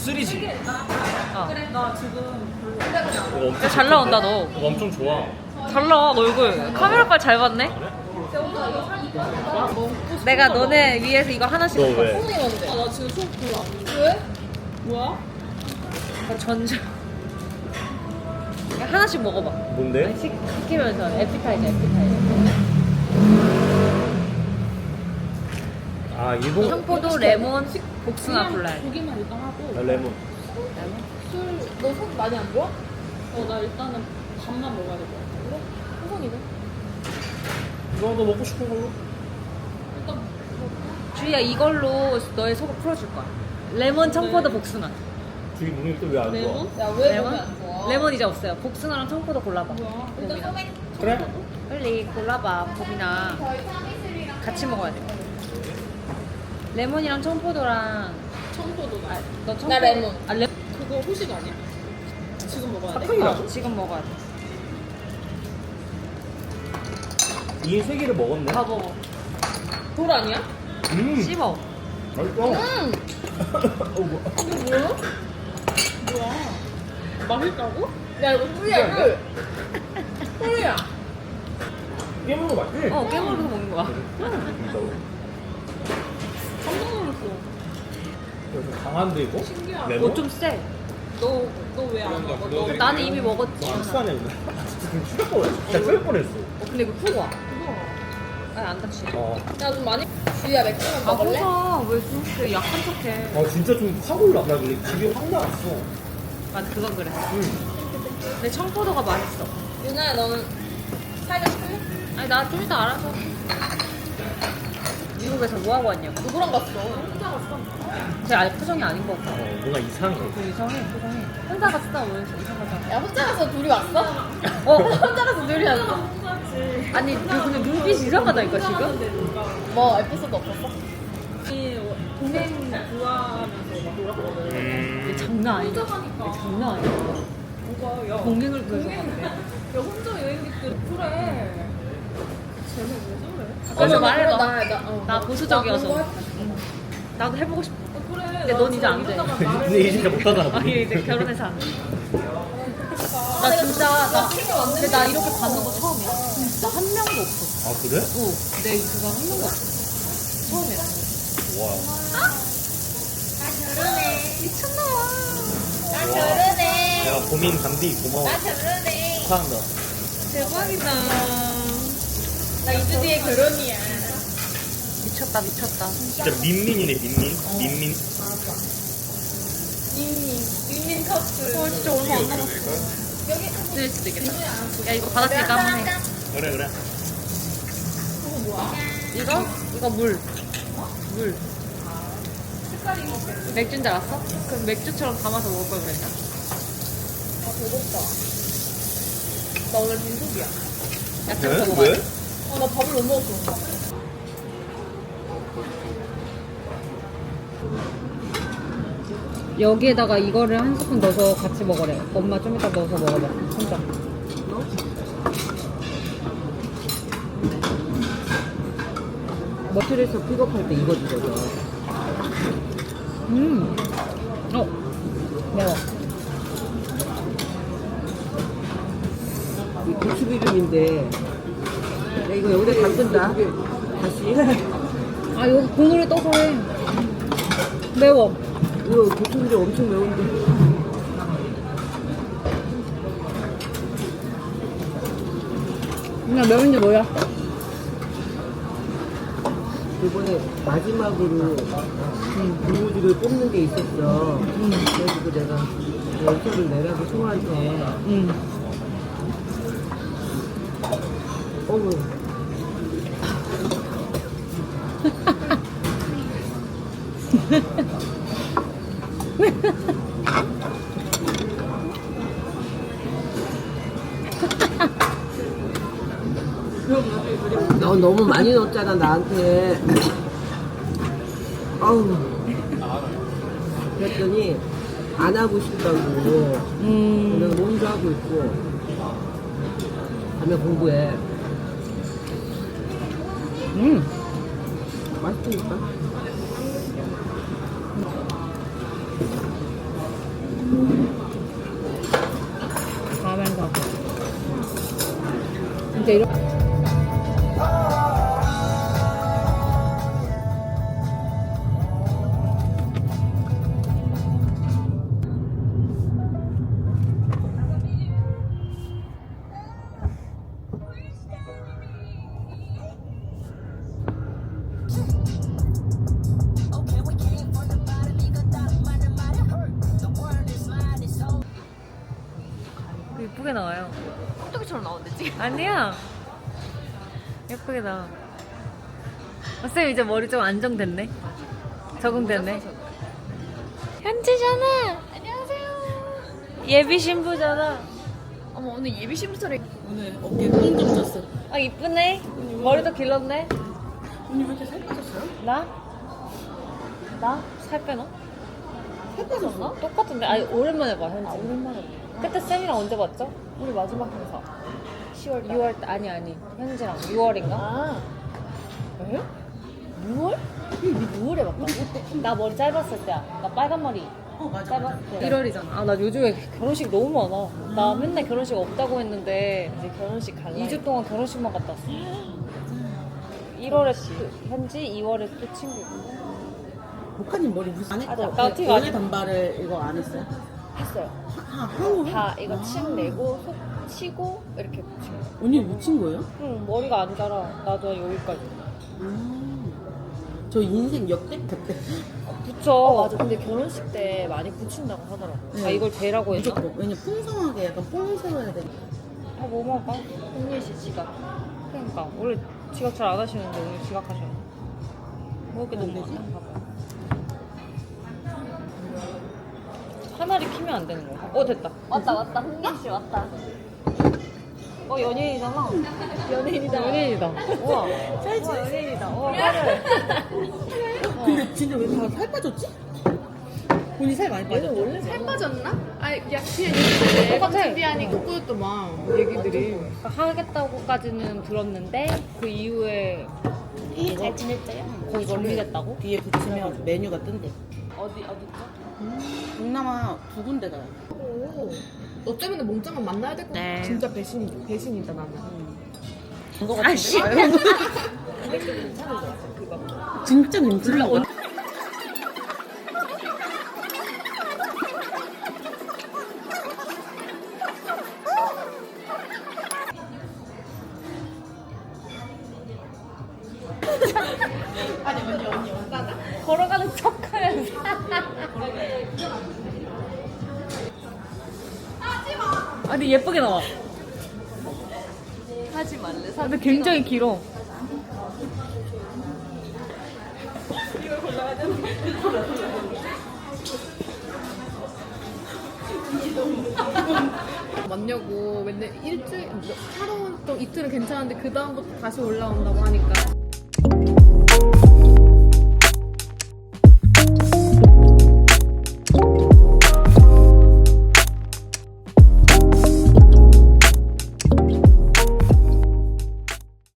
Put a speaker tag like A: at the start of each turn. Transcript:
A: 쓰리지.
B: 그래 나 지금
A: 이거 엄청
C: 잘 나온다, 너.
A: 이거 엄청 좋아.
C: 잘 나와, 너 얼굴. 카메라까지 잘 봤네? 내가 너네 위해서 이거 하나씩
A: 너
C: 먹고
A: 왜?
B: 왔어. 나 지금 수업 별로 안 돼. 왜? 뭐야?
C: 왔어. 전자. 하나씩 먹어봐.
A: 뭔데?
C: 시키면서 에피타이저.
A: 아 일본
C: 청포도, 레몬, 복숭아 콜라.
B: 고기만 일단 하고.
A: 레몬.
B: 너 속 많이 안 좋아? 나 일단은 밥만 먹어야 될 것 같아. 그래? 호성이네.
A: 이거 너 먹고 싶은 걸로?
B: 일단
C: 주희야, 이걸로 너의 속을 풀어줄 거야. 레몬, 청포도, 복숭아.
A: 저기 몸이 또왜 안 좋아?
B: 레몬? 야왜
C: 레몬?
B: 몸이 안 좋아?
C: 레몬 이제 없어요. 복숭아랑 청포도 골라봐.
B: 뭐야? 일단
C: 고민아.
A: 그래?
C: 빨리 골라봐, 고민아. 같이 먹어야 돼. 레몬이랑 청포도랑.
B: 청포도 나.
C: 너 청포도.
B: 나 레몬.
C: 아, 레몬.
B: 그거 후식 아니야? 지금 먹어야 돼?
A: 사탕이라고?
C: 지금 먹어야 돼.
A: 이 세 개를 먹었네.
C: 다 먹어.
B: 돌 아니야?
C: 씹어.
A: 맛있어. 어, 뭐.
B: 이게 뭐야? 뭐야? 맛있다고? 야 이거 꿀이야 꿀. 꿀이야.
A: 깨물어 맛있지?
C: 깨물어서 먹는 거야.
A: 진짜로.
B: 깜짝 놀랐어.
A: 좀 강한데 이거?
B: 신기하다.
A: 레몬?
C: 좀 세.
B: 너 왜 안 먹어? 너
C: 나는 이미 먹었지.
A: 안 싸네 이거. 진짜 좀 추격 뻔했어. 진짜 뺄 뻔했어.
C: 근데 이거 푸고 와.
B: 그거.
C: 아니, 안 다치.
B: 야좀 많이. 주희야 맥주만 먹을래?
C: 왜 그렇게 약한 척해.
A: 진짜 좀 확 올라. 나 근데 집이 확 나왔어.
C: 맞아, 그건 그래.
A: 응.
C: 근데 청포도가 맛있어.
B: 유나야 너는 사이다 시킬래?
C: 아니, 나 좀 이따 알아서. 미국에서 뭐 하고 왔냐고.
B: 누구랑 갔어? 혼자 갔어.
C: 제 아직 표정이 아닌 거 같아.
A: 뭔가 이상해.
C: 그 이상해, 표정이. 혼자 갔다 오면서 이상하잖아.
B: 야 혼자 가서 둘이 왔어? 혼자 가서 둘이 왔어?
C: 아니, 근데 눈빛이 이상하다니까, 지금?
B: 뭐 에피소드 없었어?
C: 동생
B: 좋아하면서 막 놀았거든.
C: 장난 아니야.
B: 혼자 가니까.
C: 장난 아니야.
B: 뭐가 야
C: 동행을 그래서.
B: 야 혼자 여행객들 그래. 쟤네 왜 저래?
C: 그래서 말해봐.
B: 나
C: 나 보수적이어서.
B: 나 그런 거 할-
C: 나도 해보고 싶어.
B: 그래.
C: 근데 넌 이제 안 돼.
A: 근데 이제 진짜 못하잖아.
C: 아니, 이제 결혼해서 안 돼. 나 진짜, 근데 나 이렇게 받는 거 처음이야. 진짜 한 명도 없어.
A: 아 그래?
C: 내 그거 한 명도 없어. 처음이야.
A: 와.
B: 나 결혼해.
A: 내가 고민 감디 고마워.
B: 결혼해.
A: 축하한다.
C: 대박이다.
B: 나 2주 뒤에 결혼이야.
C: 미쳤다, 미쳤다.
A: 진짜 민민이네 민민. 민민.
B: 민민 커플.
C: 진짜 얼마 안 남았어. 될 수도 있겠다. 야, 이거 받았으니까 한번 해.
A: 그래 그래.
C: 이거 물. 물. 맥주인 줄 알았어? 그럼 맥주처럼 담아서 먹을 걸 그랬나?
B: 아 배고프다. 나 오늘 빈속이야.
C: 야채부터 먹어야 돼.
B: 나 밥을 못 먹었어.
C: 여기에다가 이거를 한 스푼 넣어서 같이 먹으래. 엄마 좀 이따 넣어서 먹어봐. 혼자. 머틀에서 픽업할 때 이거 주거든. 매워.
D: 이 고추기름인데 야, 이거 여기다 담근다 다시
C: 아, 여기 국물에 떠서 해. 매워.
D: 이거 고추기름 엄청 매운데
C: 그냥 매운지 뭐야?
D: 이번에 마지막으로 고무줄을 뽑는 게 있었어 그래가지고 내가 연습을 내라고 소한테 어머 너 너무 많이 넣었잖아 나한테 아우 그랬더니 안 하고 싶다고 내가 혼자 하고 있고 가면 공부해 맛있으니까
B: 이제 이런.
C: 예쁘게 나와요.
B: 깍두기처럼 나오는데 지금.
C: 아니야. 예쁘게 나와. 쌤 이제 머리 좀 안정됐네. 적응됐네. 현지잖아.
B: 안녕하세요.
C: 예비 신부잖아.
B: 어머 오늘 예비 신부처럼.
D: 오늘 어깨 뽕좀 줬어.
C: 아 이쁘네. 머리도 길렀네.
D: 언니 왜 이렇게 살 빠졌어요?
C: 나? 나? 살 빼나?
D: 살 빠졌어?
C: 똑같은데. 아니 오랜만에 봐 현지. 오랜만에 봐. 그때 쌤이랑 언제 봤죠?
B: 우리 마지막 행사.
C: 10월 6월 아니 현지랑 6월인가?
B: 아.
C: 에? 6월? 니 6월에 봤다고? 나 머리 짧았을 때야. 나 빨간 머리
D: 맞아.
C: 짧았을 때.
B: 1월이잖아.
C: 아 나 요즘에 결혼식 너무 많아. 나 맨날 결혼식 없다고 했는데
B: 이제 결혼식 갈라.
C: 2주 동안 결혼식만 갔다 왔어. 1월에 현지, 2월에 또 친구 있고.
D: 목카님 머리 무슨 안 했죠?
C: 나 티가
D: 연애 단발을 이거 안 했어요?
B: 했어요.
D: 하고
B: 다 이거 침 내고 속 치고 이렇게 붙인 거.
D: 언니 묻힌 거예요?
C: 응 머리가 안 자라. 나도 여기까지.
D: 저 인생 역대급 때
C: 붙여.
B: 맞아. 근데 결혼식 때 많이 붙인다고 하더라고.
C: 아 이걸 대라고 했나?
D: 무조건. 왜냐 풍성하게 약간 뽕 세워야 돼.
C: 뭐 먹을까?
B: 홍민 씨 지갑.
C: 그러니까 원래 지각 잘 안 하시는데 오늘 지각하셔. 먹을 게 너무
D: 안 되지?
C: 많아. 봐봐. 하나를 키면 안 되는 거야. 됐다.
B: 왔다. 홍민 씨 왔다.
C: 연예인이잖아.
B: 연예인이다.
C: 연예인이다. 우와. 우와 연예인이다. 우와 빠르.
D: 근데 진짜 왜 다 살 빠졌지? 언니 살 많이
B: 얘는
D: 빠졌죠?
B: 원래 살 빠졌나? 아니 그냥 얘기했는데
C: 똑같아.
B: 준비하니 그것도만 얘기들이.
C: 하겠다고까지는 들었는데 그 이후에
B: 잘 지냈어요?
C: 거의 정리됐다고?
D: 뒤에 붙이면 메뉴가 뜬대.
B: 어디죠?
D: 동남아 두 군데 가요.
B: 오. 너 때문에 몸짱은 만나야 될 것 같아.
C: 네.
B: 진짜 배신이다 나는.
D: 그거 같은데?
C: 아씨.
B: 근데 괜찮은 것 같아 그거.
D: 진짜 괜찮아.
C: 걸어가는 척하면서. 아니 예쁘게 나와.
B: 하지 말래.
C: 근데 굉장히 길어.
B: 맞냐고 맨날 일주일 하루 또 이틀은 괜찮은데 그 다음부터 다시 올라온다고 하니까